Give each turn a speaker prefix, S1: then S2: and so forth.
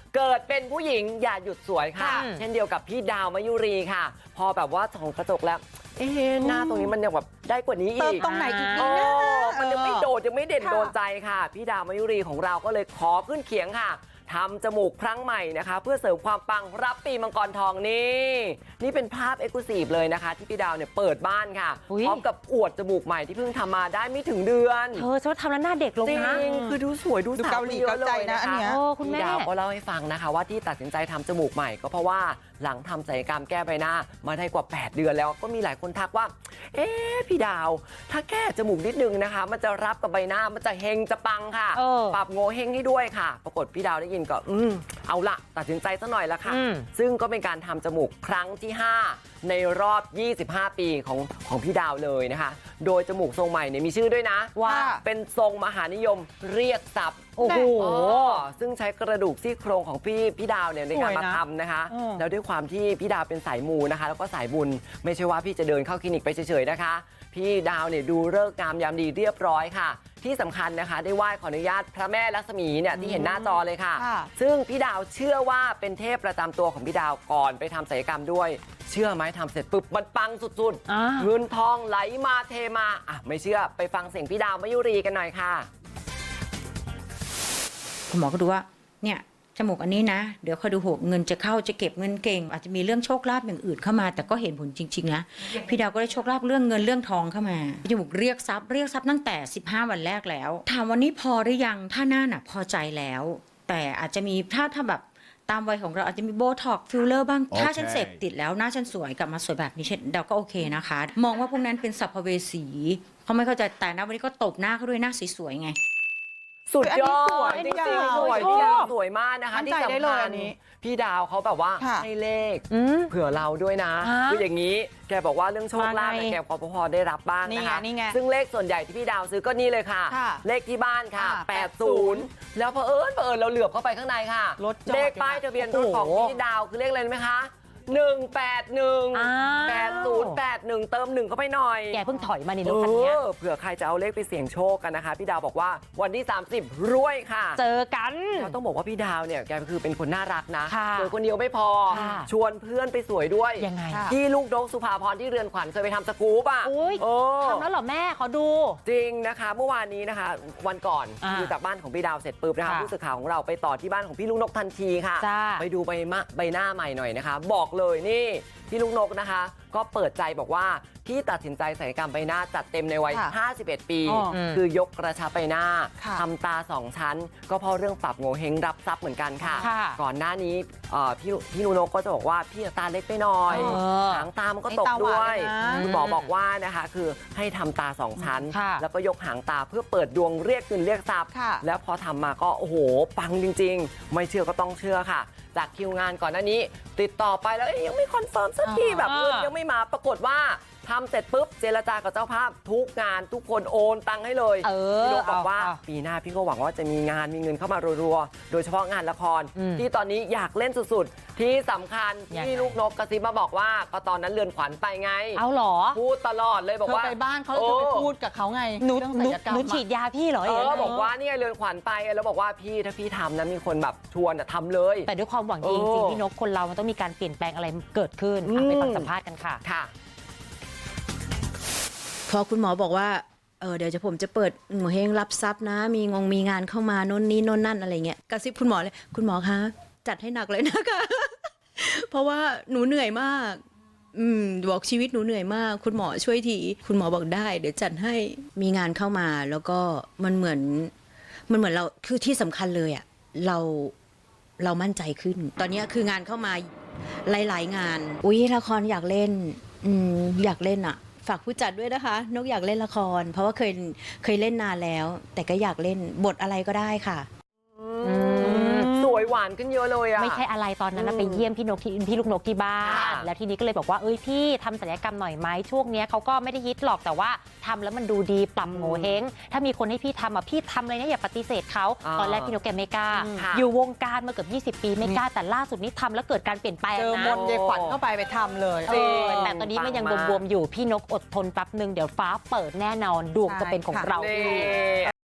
S1: เกิดเป็นผู้หญิงอย่าหยุดสวยค่ะเช่นเดียวกับพี่ดาวมยุรีค่ะพอแบบว่าส่องกระจกแล้วหน้าตรงนี้มันยังแบบได้กว่านี้อีก
S2: เติมตรงไหนอีกนะ
S1: มันยังไม่โดดยังไม่เด่นโดนใจค่ะพี่ดาวมยุรีของเราก็เลยขอขึ้นเขียงค่ะทำจมูกครั้งใหม่นะคะเพื่อเสริมความปังรับปีมังกรทองนี่เป็นภาพเอ็กซ์คลูซีฟเลยนะคะที่พี่ดาวเนี่ยเปิดบ้านค่ะพร้อมกับอวดจมูกใหม่ที่เพิ่งทำมาได้ไม่ถึงเดือน
S3: ฉันทำแล้วหน้าเด็กลงนะ
S1: จริงคือดูสวยดูสาว
S2: เกาหลีเกาใจนะอันเนี้ย
S1: พี่ดาวก็เล่าให้ฟังนะคะว่าที่ตัดสินใจทำจมูกใหม่ก็เพราะว่าหลังทำศัลยกรรมแก้ใบหน้ามาได้กว่า8เดือนแล้วก็มีหลายคนทักว่าพี่ดาวถ้าแก้จมูกนิดนึงนะคะมันจะรับกับใบหน้ามันจะเฮงจะปังค่ะปรับโงเฮงให้ด้วยค่ะปรากฏพี่ดาวได้ยินก็เอาละตัดสินใจซะหน่อยละค่ะซึ่งก็เป็นการทำจมูกครั้งที่5ในรอบ25ปีของพี่ดาวเลยนะคะโดยจมูกทรงใหม่เนี่ยมีชื่อด้วยนะว่าเป็นทรงมหานิยมเรียกทรัพย์โอ้โหซึ่งใช้กระดูกซี่โครงของพี่ดาวเนี่ยในการมาทำนะคะแล้วด้วยความที่พี่ดาวเป็นสายมูนะคะแล้วก็สายบุญไม่ใช่ว่าพี่จะเดินเข้าคลินิกไปเฉยๆนะคะพี่ดาวเนี่ยดูฤกษ์งามยามดีเรียบร้อยค่ะที่สำคัญนะคะได้ไหว้ขออนุญาตพระแม่ลักษมีเนี่ยที่เห็นหน้าจอเลยค่ะซึ่งพี่ดาวเชื่อว่าเป็นเทพประจำตัวของพี่ดาวก่อนไปทำศัลยกรรมด้วยเชื่อไหมทำเสร็จปุ๊บมันปังสุดๆเงินทองไหลมาเทมาไม่เชื่อไปฟังเสียงพี่ดาวมยุรีกันหน่อยค่ะ
S4: คุณหมอก็ดูว่าเนี่ยจมูกอันนี้นะเดี๋ยวคอยดูหกเงินจะเข้าจะเก็บเงินเก่งอาจจะมีเรื่องโชคลาภอย่างอื่นเข้ามาแต่ก็เห็นผลจริงๆนะพี่ดาวก็ได้โชคลาภเรื่องเงินเรื่องทองเข้ามาจมูกเรียกทรัพย์ตั้งแต่15วันแรกแล้วถามวันนี้พอหรือยังถ้าหน้าหนักพอใจแล้วแต่อาจจะมีถ้าแบบตามวัยของเราอาจจะมีโบท็อกฟิลเลอร์บ้างถ้าฉันเสพติดแล้วหน้าฉันสวยกลับมาสวยแบบนี้ดาวก็โอเคนะคะมองว่าพวกนั้นเป็นสัพเพเวสีเขาไม่เข้าใจแต่นะวันนี้ก็ตบหน้าเขาด้วยหน้าสวยๆไง
S1: สุดยอดจริงๆสวยพี่ดาวสวยมากนะคะที่สำคัญพี่ดาวเขาแบบว่าให้เลขเผื่อเราด้วยนะคืออย่างนี้แกบอกว่าเรื่องโชคลาภแกพอได้รับบ้างนะคะซึ่งเลขส่วนใหญ่ที่พี่ดาวซื้อก็นี่เลยค่ะเลขที่บ้านค่ะ80แล้วเผอิญเราเหลือบเข้าไปข้างในค่ะเลขป้ายทะเบียนรถของพี่ดาวคือเลขอะไรไหมคะ1818081เติม1เข้าไปหน่อย
S3: แกเพิ่งถอยมาในรถคันนี้
S1: เผื่อใครจะเอาเลขไปเสี่ยงโชคกันนะคะพี่ดาวบอกว่าวันที่30รวยค่ะ
S3: เจอกัน
S1: เราต้องบอกว่าพี่ดาวเนี่ยแกคือเป็นคนน่ารักนะสวยคนเดียวไม่พอชวนเพื่อนไปสวยด้วย
S3: ยังไง
S1: ที่ลูกนกสุภาพรที่เรือนขวัญเคยไปทำสกู๊ป
S3: ทำแล้วเหรอแม่ขอดู
S1: จริงนะคะเมื่อวานนี้นะคะวันก่อนคือจากบ้านของพี่ดาวเสร็จปุ๊บนะคะผู้สื่อข่าวของเราไปต่อที่บ้านของพี่ลูกนกทันทีค่ะไปดูใบหน้าใหม่หน่อยนะคะบอกเลยนี่พี่ลูกนกนะคะก็เปิดใจบอกว่าที่ตัดสินใจศัลยกรรมใบหน้าจัดเต็มในวัย51ปีคือยกกระชับใบหน้าทำตา2ชั้นก็เพราะเรื่องปรับโงเฮงรับทรัพย์เหมือนกันค่ะก่อนหน้านี้พี่ลูกนกก็จะบอกว่าพี่ตาเล็กไปหน่อยหางตามันก็ตกด้วยคุณหมอบอกว่านะคะคือให้ทำตา2ชั้นแล้วก็ยกหางตาเพื่อเปิดดวงเรียกเงินเรียกทรัพย์แล้วพอทำมาก็โอ้โหปังจริงๆไม่เชื่อก็ต้องเชื่อค่ะจากคิวงานก่อนหน้านี้ติดต่อไปแล้วยังไม่คอนเฟิร์มสักทีแบบเงินยังไม่มาปรากฏว่าทำเสร็จปุ๊บเจรจากับเจ้าภาพทุกงานทุกคนโอนตังค์ให้เลยพี่นกบอกว่าปีหน้าพี่ก็หวังว่าจะมีงานมีเงินเข้ามารัวๆโดยเฉพาะงานละครที่ตอนนี้อยากเล่นสุดๆที่สำคัญที่ลูกนกกระซิบมาบอกว่าก็ตอนนั้นเรือนขวัญไปไง
S3: เอาหรอ
S1: พูดตลอดเลยบอกว่า
S2: ไปบ้านเขาจะไปพูดกับเขาไง
S3: หนูฉีดยาพี่เหรอ
S1: บอกว่านี่เรือนขวัญไปแล้วบอกว่าพี่ถ้าพี่ทำนะมีคนแบบชวนทำเลย
S3: แต่ด้วยความหวังดีจริงพี่นกคนเรามันต้องมีการเปลี่ยนแปลงอะไรเกิดขึ้นไปฟังสัมภาษณ์กันค่ะ
S4: พอคุณหมอบอกว่าเดี๋ยวผมจะเปิดโงเฮงรับทรัพย์นะมีงานเข้ามาโน่นนี่โน่นนั่นอะไรเงี้ยกระซิบคุณหมอเลยคุณหมอคะจัดให้หนักเลยนะคะ เพราะว่าหนูเหนื่อยมากบอกชีวิตหนูเหนื่อยมากคุณหมอช่วยทีคุณหมอบอกได้เดี๋ยวจัดให้มีงานเข้ามาแล้วก็มันเหมือนเราคือที่สำคัญเลยอ่ะเรามั่นใจขึ้นตอนนี้คืองานเข้ามาหลายๆงานละครอยากเล่นอยากเล่นอ่ะฝากผู้จัดด้วยนะคะนกอยากเล่นละครเพราะว่าเคยเล่นนานแล้วแต่ก็อยากเล่นบทอะไรก็ได้ค่ะ
S1: สวยหวานขึ้นเยอะเลยอะ
S3: ไม่ใช่อะไรตอนนั้นไปเยี่ยมพี่ลูกนกที่บ้านแล้วทีนี้ก็เลยบอกว่าพี่ทำศัลยกรรมหน่อยไหมช่วงนี้เขาก็ไม่ได้ฮิตหรอกแต่ว่าทำแล้วมันดูดีปรับโงเฮงถ้ามีคนให้พี่ทำพี่ทำเลยนะอย่าปฏิเสธเขาตอนแรกพี่นกแกไม่กล้าอยู่วงการมาเกือบ20 ปีไม่กล้าแต่ล่าสุดนี้ทำแล้วเกิดการเปลี่ยนแปลงนะ
S2: เจอมนต์ยายขวัญเข้าไปทำเลย
S3: แต่ตอนนี้มันยังบวมๆอยู่พี่นกอดทนแป๊บนึงเดี๋ยวฟ้าเปิดแน่นอนดวงจะเป็นของเรา